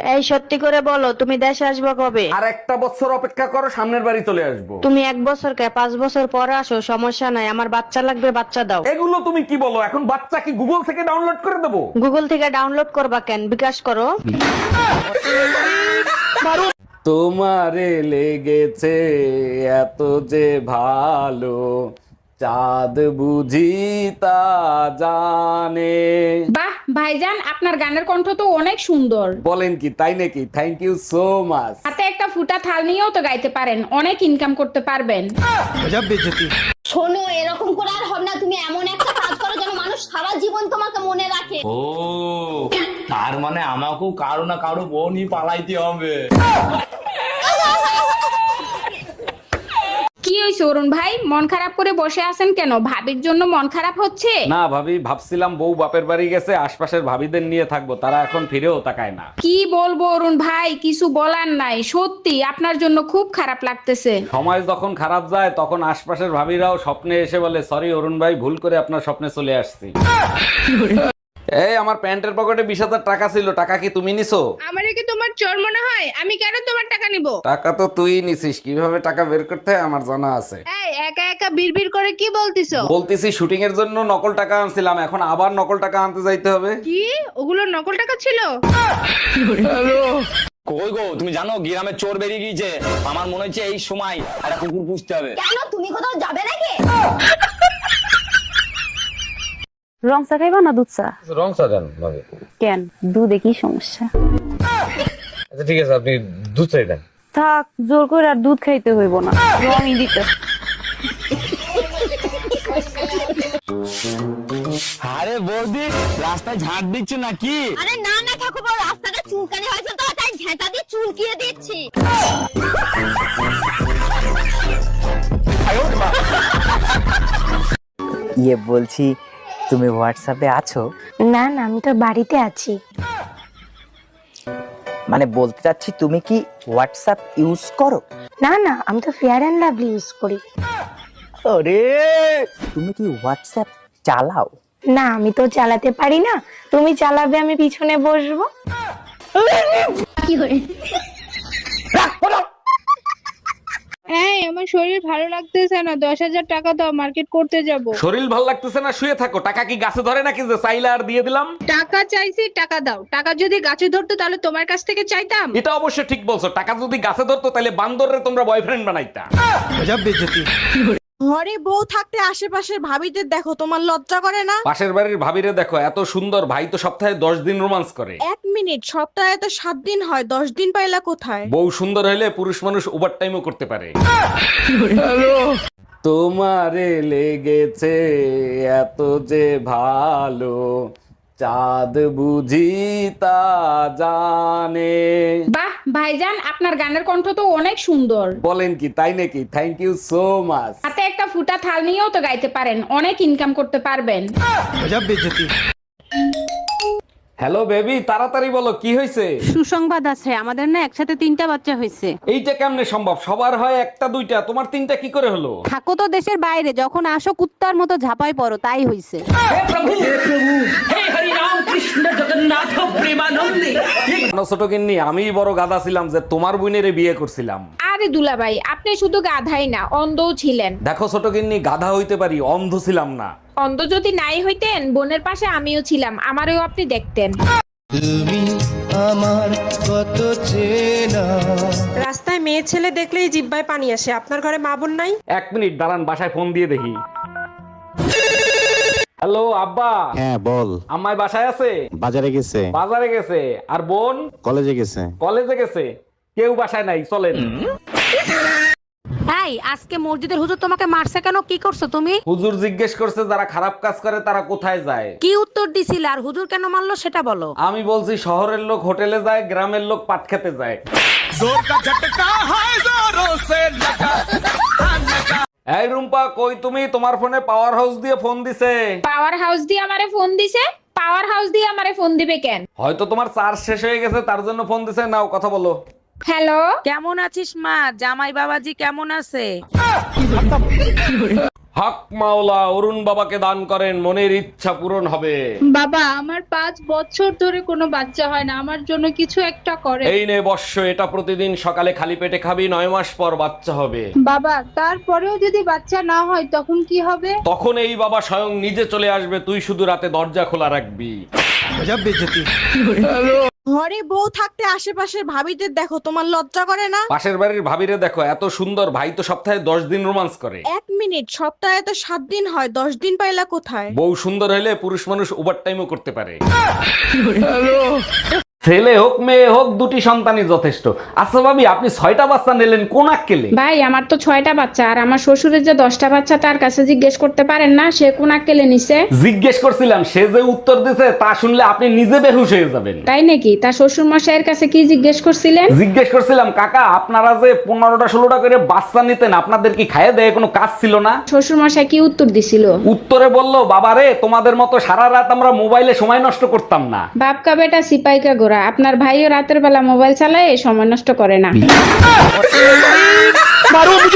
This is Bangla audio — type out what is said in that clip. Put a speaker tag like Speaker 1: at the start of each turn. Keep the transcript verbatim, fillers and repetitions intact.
Speaker 1: এই সত্যি করে বলো, তুমি দেশে আসবে কবে?
Speaker 2: আর একটা বছর অপেক্ষা করো, সামনের বাড়ি চলে আসবো।
Speaker 1: তুমি এক বছর কে পাঁচ বছর পরে আসো, সমস্যা নাই, আমার বাচ্চা লাগবে, বাচ্চা দাও।
Speaker 2: এগুলো তুমি কি বলো? এখন বাচ্চা কি গুগল থেকে ডাউনলোড করে দেবো?
Speaker 1: গুগল থেকে ডাউনলোড করবা কেন, বিকাশ করো।
Speaker 2: তোমারে লেগেছে এত যে ভালো, চাঁদ বুঝি তা জানে।
Speaker 3: বাহ ভাইজান, আপনার গানের কণ্ঠ তো অনেক সুন্দর।
Speaker 2: বলেন কি, তাই নাকি? Thank you so much.
Speaker 3: হাতে একটা ফুটা থাল নিয়েও তো গাইতে পারেন, অনেক ইনকাম করতে পারবেন।
Speaker 4: শোনো, এরকম করে আর হবে না। তুমি এমন একটা কাজ করো যেন মানুষ সারা জীবন তোমাকে মনে রাখে।
Speaker 5: ও তার মানে আমাকেও কারো না কারো বোনই পালাইতে হবে।
Speaker 3: কি হয়েছে অরুণ ভাই, মন খারাপ করে বসে আছেন কেন? ভাবির জন্য মন খারাপ হচ্ছে?
Speaker 2: না ভাবি, ভাবছিলাম বউ বাপের বাড়ি গেছে, আশপাশের ভাবিদের নিয়ে থাকবো, তারা এখন ফিরেও তাকায় না।
Speaker 3: কি বলবো অরুণ ভাই, কিছু বলার নাই, সত্যি আপনার জন্য খুব খারাপ লাগতেছে।
Speaker 2: সময় যখন খারাপ যায় তখন আশপাশের ভাবিরাও স্বপ্নে এসে বলে, সরি অরুণ ভাই, ভুল করে আপনার স্বপ্নে চলে আসছি। এই আমার প্যান্টের পকেটে বিশ হাজার টাকা ছিল, টাকা কি তুমি নিছো?
Speaker 6: আমারে কি তোমার চোর মনে হয়? আমি কেন তোমার টাকা নিব?
Speaker 2: টাকা তো তুই নিছিস, কিভাবে টাকা বের করতে হয় আমার জানা আছে।
Speaker 6: এই একা একা বিড়বিড় করে কি বলতিছো?
Speaker 2: বলতেছি শুটিং এর জন্য নকল টাকা আনছিলাম, এখন আবার নকল টাকা আনতে যাইতে হবে।
Speaker 6: কি ওগুলো নকল টাকা ছিল?
Speaker 5: কই গো, তুমি জানো গ্রামে চোর বেরিয়ে গিয়েছে। আমার মনে হচ্ছে এই সময় একটা কুকুর পুষতে হবে।
Speaker 4: কেন, তুমি কোথাও যাবে নাকি?
Speaker 7: রং চা খাইবা না দুধ চা?
Speaker 2: রং চা দেন ভাবি।
Speaker 7: কেন, দুধে কি সমস্যা?
Speaker 2: আচ্ছা ঠিক আছে, আপনি দুধ চাই দেন।
Speaker 7: থাক, জোর করে আর দুধ খাইতে হইব না, রঙই দিতে।
Speaker 5: আরে বৌদি, রাস্তায় ঝাঁট দিচ্ছ নাকি?
Speaker 4: আরে না না ঠাকুরপো, রাস্তাটা চুলকানি হয়েছে তো, তাই ঝেঁটা দিয়ে চুলকিয়ে দিচ্ছি।
Speaker 8: ইয়ে বলছি, তুমি হোয়াটসঅ্যাপে আছো?
Speaker 1: না না, আমি তো বাড়িতে আছি।
Speaker 8: মানে বলতে চাচ্ছি, তুমি কি হোয়াটসঅ্যাপ ইউজ করো?
Speaker 1: না না, আমি তো ফেয়ার অ্যান্ড লাভলি ইউজ করি।
Speaker 8: আরে তুমি কি হোয়াটসঅ্যাপ চালাও?
Speaker 1: না, আমি তো চালাতে পারি না, তুমি চালাবে, আমি পিছনে বসবো।
Speaker 4: কি হয়ে?
Speaker 6: এই আমার শরীর ভালো লাগতেছে না, দশ হাজার টাকা দাও, মার্কেট করতে যাব।
Speaker 2: শরীর ভাল লাগতেছে না, শুয়ে থাকো। টাকা কি গাছে ধরে নাকি যে চাইলে আর দিয়ে দিলাম?
Speaker 6: টাকা চাইছি, টাকা দাও। টাকা যদি গাছে ধরতো তাহলে তোমার কাছ থেকে চাইতাম।
Speaker 2: এটা অবশ্য ঠিক বলছো, টাকা যদি গাছে ধরতো তাহলে বান্দররে তোমরা বয়ফ্রেন্ড বানাইতা।
Speaker 9: ঘরে বউ থাকতে আশেপাশের ভাবিদের দেখো, তোমার লজ্জা করে না?
Speaker 2: পাশের বাড়ির ভাবিরে দেখো, এত সুন্দর, ভাই তো সপ্তাহে দশ দিন রোমান্স করে।
Speaker 9: এক মিনিট, সপ্তাহে তো সাত দিন হয়, দশ দিন পাইলা কোথায়?
Speaker 2: বউ সুন্দর হলে পুরুষ মানুষ ওভার টাইমও করতে পারে। তোমারে লেগেছে এত যে ভালো, চাঁদ বুঝি তা জানে।
Speaker 3: বাহ ভাইজান, আপনার গানের কণ্ঠ তো অনেক সুন্দর।
Speaker 2: বলেন কি, তাই নাকি? Thank you so much.
Speaker 3: হাতে একটা ফুটা থাল নিয়েও তো গাইতে পারেন, অনেক ইনকাম করতে পারবেন।
Speaker 2: হ্যালো বেবি, তাড়াতাড়ি বলো, কি হয়েছে?
Speaker 7: সুসংবাদ আছে, আমাদের না একসাথে তিনটা বাচ্চা হয়েছে।
Speaker 2: এইটা কেমনে সম্ভব? সবার হয় একটা দুইটা, তোমার তিনটা কি করে হলো?
Speaker 7: থাকো তো দেশের বাইরে, যখন আসো কুত্তার মতো ঝাপাই পড়ো, তাই হইছে।
Speaker 2: জানো ছোট গিন্নি, আমি বড় গাধা ছিলাম যে তোমার বোনের বিয়ে করছিলাম।
Speaker 3: আরে দুলাভাই, আপনি শুধু গাধাই না, অন্ধও ছিলেন।
Speaker 2: দেখো ছোট গিন্নি, গাধা হইতে পারি, অন্ধ ছিলাম না।
Speaker 3: অন্ধ যদি নাই হইতেন, বোনের পাশে আমিও ছিলাম, আমারও আপনি দেখতেন।
Speaker 10: তুমি আমার কত চেনা।
Speaker 9: রাস্তায় মেয়ে ছেলে দেখলেই জিব্বায় পানি আসে, আপনার ঘরে মা বোন নাই?
Speaker 2: এক মিনিট দাঁড়ান, বাসায় ফোন দিয়ে দেখি। হ্যালো আব্বা।
Speaker 11: হ্যাঁ বল।
Speaker 2: আম্মাই বাসায় আছে?
Speaker 11: বাজারে গেছে।
Speaker 2: বাজারে গেছে। আর বোন?
Speaker 11: কলেজে গেছে।
Speaker 2: কলেজে গেছে। কেউ বাসায় নাই, চলেন।
Speaker 7: এই, আজকে মসজিদের হুজুর তোমাকে মারছে কেন? কি করছো তুমি?
Speaker 2: হুজুর জিজ্ঞেস করছে যারা খারাপ কাজ করে তারা কোথায় যায়।
Speaker 7: কি উত্তর দিছিলে? আর হুজুর কেন মারলো সেটা বলো।
Speaker 2: আমি বলছি শহরের লোক হোটেলে যায়, গ্রামের লোক পাট খেতে যায়। এই রুম্পা, কই তুমি? তোমার ফোনে পাওয়ার হাউস দিয়ে ফোন দিছে।
Speaker 3: পাওয়ার হাউস দিয়ে আমারে ফোন দিছে? পাওয়ার হাউস দিয়ে আমারে ফোন দিবে কেন?
Speaker 2: হয়তো তোমার চার্জ শেষ হয়ে গেছে, তার জন্য ফোন দিছে। নাও কথা বলো।
Speaker 3: হ্যালো,
Speaker 7: কেমন আছিস মা? জামাই বাবাজি কেমন আছে?
Speaker 2: হক মাওলা অরুণ বাবাকে দান করেন, মনের ইচ্ছা পূরণ হবে।
Speaker 6: বাবা আমার পাঁচ বছর ধরে কোনো বাচ্চা হয় না, আমার জন্য কিছু একটা করে।
Speaker 2: এই নে বর্ষ, এটা প্রতিদিন সকালে খালি পেটে খাবি, নয় মাস পর বাচ্চা হবে।
Speaker 6: বাবা তারপরেও যদি বাচ্চা না হয় তখন কি হবে?
Speaker 2: তখন এই বাবা স্বয়ং নিজে চলে আসবে, তুই শুধু রাতে দরজা খোলা রাখবি।
Speaker 9: ঘরে বউ থাকতে আশেপাশের ভাবিদের দেখো, তোমার লজ্জা করে না?
Speaker 2: পাশের বাড়ির ভাবিরে দেখো, এত সুন্দর, ভাই তো সপ্তাহে দশ দিন রোমান্স করে।
Speaker 9: এক মিনিট, সপ্তাহে তো সাত দিন হয়, দশ দিন পাইলা কোথায়?
Speaker 2: বউ সুন্দর হলে পুরুষ মানুষ ওভার টাইমও করতে পারে। ছেলে হোক মেয়ে হোক দুটি সন্তানই যথেষ্ট। আচ্ছা ভাবি, আপনি ছয়টা বাচ্চা নিলেন কোন আক্কেলে?
Speaker 3: ভাই আমার তো ছয়টা বাচ্চা, আর আমার শ্বশুরের যে দশটা বাচ্চা তার কাছে জিজ্ঞেস করতে পারেন না সে কোন আক্কেলে নিছে?
Speaker 2: জিজ্ঞেস করছিলাম, সে যে উত্তর দিছে তা শুনলে আপনি নিজে বেহুশ হয়ে যাবেন।
Speaker 3: তাই নাকি? তার শ্বশুর মশাইয়ের কাছে কি জিজ্ঞেস করছিলেন?
Speaker 2: জিজ্ঞেস করছিলাম, কাকা আপনারা যে পনেরোটা ষোলোটা করে বাচ্চা নিতেন, আপনাদের কি খাইয়ে দেয় কোনো কাজ ছিল না?
Speaker 3: শ্বশুর মশাই কি উত্তর দিছিল?
Speaker 2: উত্তরে বলল, বাবারে তোমাদের মতো সারা রাত আমরা মোবাইলে সময় নষ্ট করতাম না।
Speaker 3: বাপকা বেটা সিপাইকা গোরা, আপনার ভাইও রাতের বেলা মোবাইল চালায়, সময় নষ্ট করে না।